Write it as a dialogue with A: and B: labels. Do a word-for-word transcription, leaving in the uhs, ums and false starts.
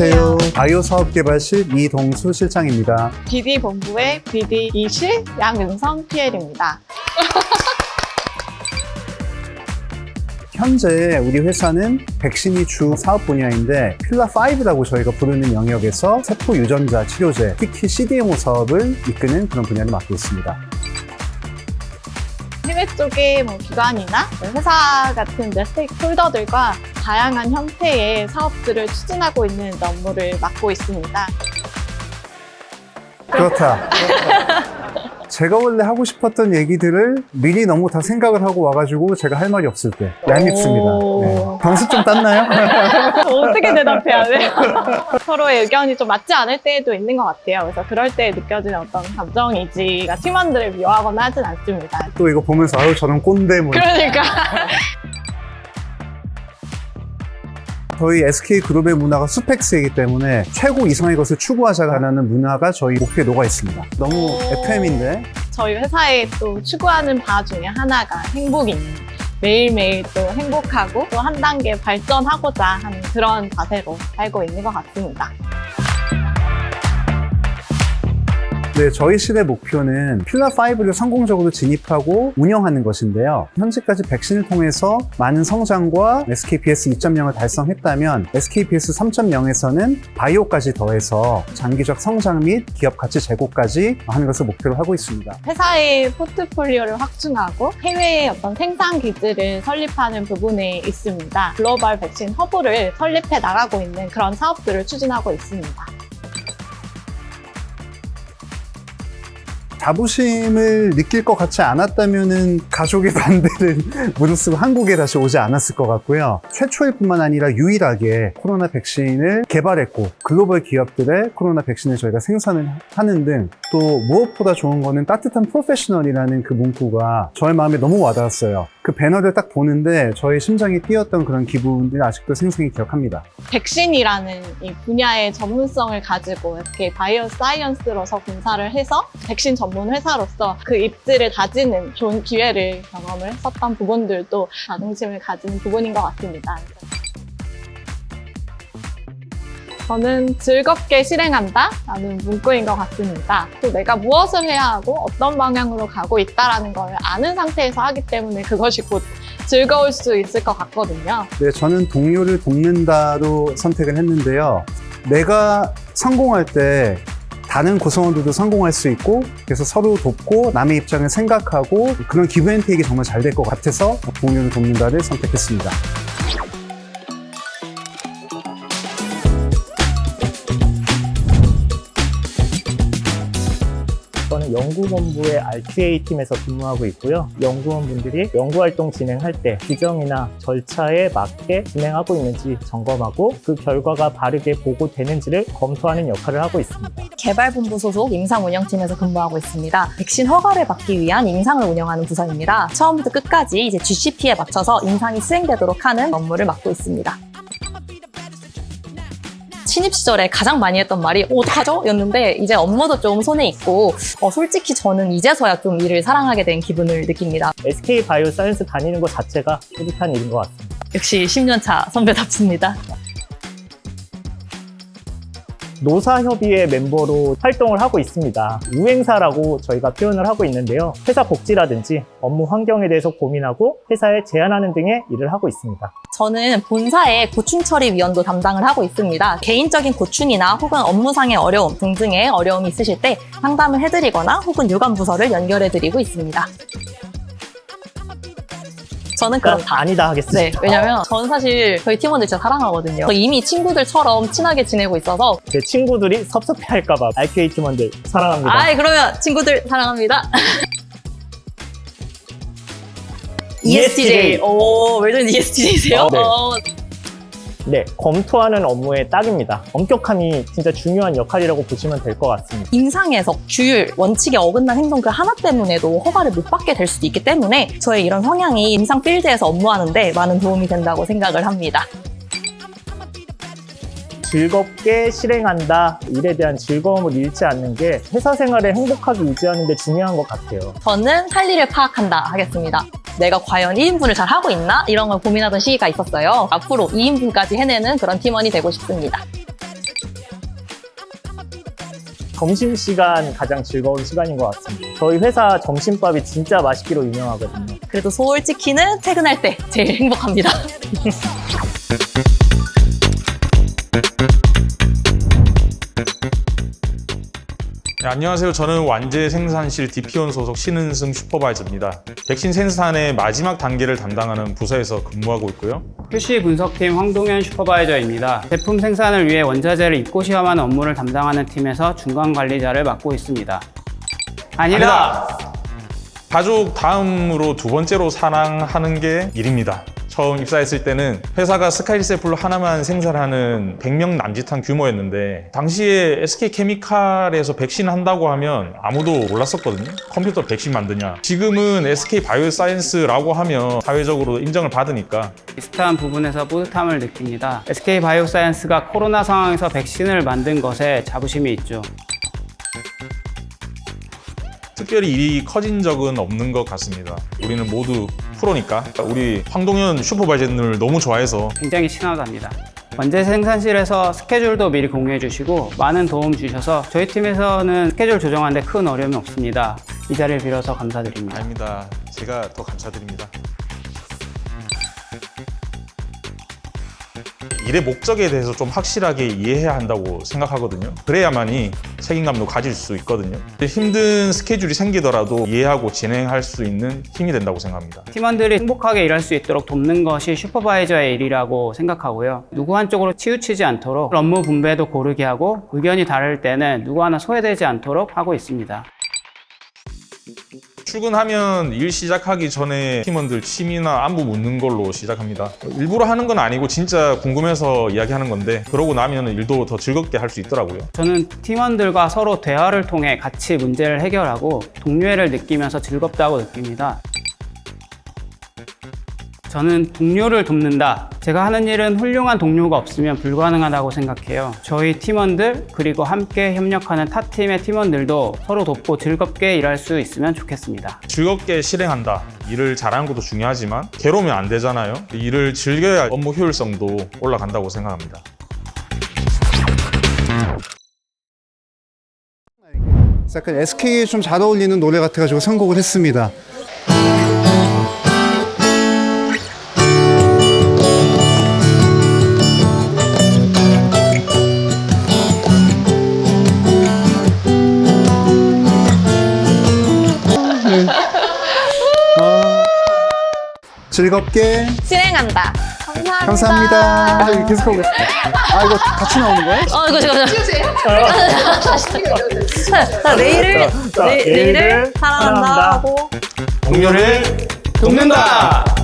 A: 안녕하세요. 바이오 사업개발실 이동수 실장입니다.
B: 비디 본부의 비디 이실 양윤성 피엘입니다.
A: 현재 우리 회사는 백신이 주 사업 분야인데 필라오라고 저희가 부르는 영역에서 세포 유전자 치료제, 특히 씨디엠오 사업을 이끄는 그런 분야를 맡고 있습니다.
B: 해외 쪽의 뭐 기관이나 회사 같은 스테이크홀더들과 다양한 형태의 사업들을 추진하고 있는 업무를 맡고 있습니다.
A: 그렇다. 제가 원래 하고 싶었던 얘기들을 미리 너무 다 생각을 하고 와가지고 제가 할 말이 없을 때 얄밉습니다. 네. 방수 좀 땄나요?
B: 어떻게 대답해야 돼? 서로의 의견이 좀 맞지 않을 때도 있는 것 같아요. 그래서 그럴 때 느껴지는 어떤 감정이지가 팀원들을 미워하거나 하진 않습니다.
A: 또 이거 보면서 아유 저런 꼰대 뭐.
B: 그러니까.
A: 저희 에스케이그룹의 문화가 수펙스이기 때문에 최고 이상의 것을 추구하자라는 문화가 저희 목표에 녹아 있습니다. 너무 에프엠인데
B: 저희 회사에 또 추구하는 바 중에 하나가 행복입니다. 매일매일 또 행복하고 또 한 단계 발전하고자 하는 그런 자세로 살고 있는 것 같습니다.
A: 네, 저희 실의 목표는 필라오를 성공적으로 진입하고 운영하는 것인데요. 현재까지 백신을 통해서 많은 성장과 에스케이피에스 이 점 영을 달성했다면 에스케이피에스 삼 점 영에서는 바이오까지 더해서 장기적 성장 및 기업 가치 제고까지 하는 것을 목표로 하고 있습니다.
B: 회사의 포트폴리오를 확충하고 해외의 어떤 생산 기지를 설립하는 부분에 있습니다. 글로벌 백신 허브를 설립해 나가고 있는 그런 사업들을 추진하고 있습니다.
A: 자부심을 느낄 것 같지 않았다면은 가족의 반대를 무릅쓰고 한국에 다시 오지 않았을 것 같고요. 최초일 뿐만 아니라 유일하게 코로나 백신을 개발했고 글로벌 기업들의 코로나 백신을 저희가 생산을 하는 등 또 무엇보다 좋은 거는 따뜻한 프로페셔널이라는 그 문구가 저의 마음에 너무 와닿았어요. 그 배너를 딱 보는데 저의 심장이 뛰었던 그런 기분을 아직도 생생히 기억합니다.
B: 백신이라는 이 분야의 전문성을 가지고 이렇게 바이오 사이언스로서 분사를 해서 백신 전문 회사로서 그 입지를 다지는 좋은 기회를 경험을 했었던 부분들도 자긍심을 가지는 부분인 것 같습니다. 저는 즐겁게 실행한다 라는 문구인 것 같습니다. 또 내가 무엇을 해야 하고 어떤 방향으로 가고 있다는 걸 아는 상태에서 하기 때문에 그것이 곧 즐거울 수 있을 것 같거든요.
A: 네, 저는 동료를 돕는다로 선택을 했는데요. 내가 성공할 때 다른 구성원들도 성공할 수 있고 그래서 서로 돕고 남의 입장을 생각하고 그런 기브앤테이크가 정말 잘 될 것 같아서 동료를 돕는다를 선택했습니다.
C: 저는 연구본부의 알큐에이 팀에서 근무하고 있고요. 연구원분들이 연구활동 진행할 때 규정이나 절차에 맞게 진행하고 있는지 점검하고 그 결과가 바르게 보고되는지를 검토하는 역할을 하고 있습니다.
D: 개발본부 소속 임상운영팀에서 근무하고 있습니다. 백신 허가를 받기 위한 임상을 운영하는 부서입니다. 처음부터 끝까지 이제 지씨피에 맞춰서 임상이 수행되도록 하는 업무를 맡고 있습니다. 신입 시절에 가장 많이 했던 말이 어, 어떡하죠? 였는데 이제 업무도 좀 손에 있고 어, 솔직히 저는 이제서야 좀 일을 사랑하게 된 기분을 느낍니다.
C: 에스케이 바이오 사이언스 다니는 것 자체가 뿌듯한 일인 것 같습니다.
D: 역시 십 년 차 선배답습니다.
C: 노사협의회 멤버로 활동을 하고 있습니다. 우행사라고 저희가 표현을 하고 있는데요. 회사 복지라든지 업무 환경에 대해서 고민하고 회사에 제안하는 등의 일을 하고 있습니다.
D: 저는 본사의 고충 처리 위원도 담당을 하고 있습니다. 개인적인 고충이나 혹은 업무상의 어려움 등등의 어려움이 있으실 때 상담을 해드리거나 혹은 유관부서를 연결해드리고 있습니다. 저는 그렇다.
C: 아니다 하겠습니다.
D: 네, 왜냐면 저는 사실 저희 팀원들 진짜 사랑하거든요. 이미 친구들처럼 친하게 지내고 있어서
C: 제 친구들이 섭섭해할까봐 알큐에이 팀원들 사랑합니다.
D: 아이 그러면 친구들 사랑합니다. 이에스티제이. 오, 웰던 이에스티제이세요?
C: 어, 네.
D: 어.
C: 네, 검토하는 업무의 딱입니다. 엄격함이 진짜 중요한 역할이라고 보시면 될 것 같습니다.
D: 임상에서 규율, 원칙에 어긋난 행동 그 하나 때문에도 허가를 못 받게 될 수도 있기 때문에 저의 이런 성향이 임상 필드에서 업무하는데 많은 도움이 된다고 생각을 합니다.
C: 즐겁게 실행한다. 일에 대한 즐거움을 잃지 않는 게 회사 생활을 행복하게 유지하는 데 중요한 것 같아요.
D: 저는 할 일을 파악한다 하겠습니다. 내가 과연 일 인분을 잘 하고 있나? 이런 걸 고민하던 시기가 있었어요. 앞으로 이 인분까지 해내는 그런 팀원이 되고 싶습니다.
C: 점심시간 가장 즐거운 시간인 것 같습니다. 저희 회사 점심밥이 진짜 맛있기로 유명하거든요.
D: 그래도 솔직히는 퇴근할 때 제일 행복합니다.
E: 네, 안녕하세요. 저는 완제 생산실 디피온 소속 신은승 슈퍼바이저입니다. 백신 생산의 마지막 단계를 담당하는 부서에서 근무하고 있고요.
F: 큐씨 분석팀 황동현 슈퍼바이저입니다. 제품 생산을 위해 원자재를 입고 시험하는 업무를 담당하는 팀에서 중간 관리자를 맡고 있습니다. 아니다!
E: 가족 다음으로 두 번째로 사랑하는 게 일입니다. 처음 입사했을 때는 회사가 스카이리세플로 하나만 생산하는 백 명 남짓한 규모였는데 당시에 에스케이케미칼에서 백신 한다고 하면 아무도 몰랐었거든요. 컴퓨터 백신 만드냐. 지금은 에스케이바이오사이언스라고 하면 사회적으로 인정을 받으니까
F: 비슷한 부분에서 뿌듯함을 느낍니다. 에스케이바이오사이언스가 코로나 상황에서 백신을 만든 것에 자부심이 있죠.
E: 특별히 일이 커진 적은 없는 것 같습니다. 우리는 모두 프로니까 우리 황동현 슈퍼바이저를 너무 좋아해서
F: 굉장히 친하답니다. 원재 생산실에서 스케줄도 미리 공유해 주시고 많은 도움 주셔서 저희 팀에서는 스케줄 조정하는 데 큰 어려움이 없습니다. 이 자리를 빌어서 감사드립니다.
E: 아닙니다. 제가 더 감사드립니다. 일의 목적에 대해서 좀 확실하게 이해해야 한다고 생각하거든요. 그래야만이 책임감도 가질 수 있거든요. 힘든 스케줄이 생기더라도 이해하고 진행할 수 있는 힘이 된다고 생각합니다.
F: 팀원들이 행복하게 일할 수 있도록 돕는 것이 슈퍼바이저의 일이라고 생각하고요. 누구 한쪽으로 치우치지 않도록 업무 분배도 고르게 하고 의견이 다를 때는 누구 하나 소외되지 않도록 하고 있습니다.
E: 출근하면 일 시작하기 전에 팀원들 취미나 안부 묻는 걸로 시작합니다. 일부러 하는 건 아니고 진짜 궁금해서 이야기하는 건데 그러고 나면 일도 더 즐겁게 할 수 있더라고요.
F: 저는 팀원들과 서로 대화를 통해 같이 문제를 해결하고 동료애를 느끼면서 즐겁다고 느낍니다. 저는 동료를 돕는다. 제가 하는 일은 훌륭한 동료가 없으면 불가능하다고 생각해요. 저희 팀원들 그리고 함께 협력하는 타 팀의 팀원들도 서로 돕고 즐겁게 일할 수 있으면 좋겠습니다.
E: 즐겁게 실행한다. 일을 잘하는 것도 중요하지만 괴로우면 안 되잖아요. 일을 즐겨야 업무 효율성도 올라간다고 생각합니다.
A: 약간 에스케이에 좀 잘 어울리는 노래 같아가지고 선곡을 했습니다. 즐겁게
D: 실행한다. 감사합니다.
A: 감사합니다. 이거 계속하고 있어요. 아, 이거 같이 나오는 거예요?
D: 어, 이거 지금. 자, 내일을,
C: 자,
D: 내,
C: 내일을
D: 내일을 사랑한다
C: 사랑한다.
D: 하고.
F: 동료를 돕는다!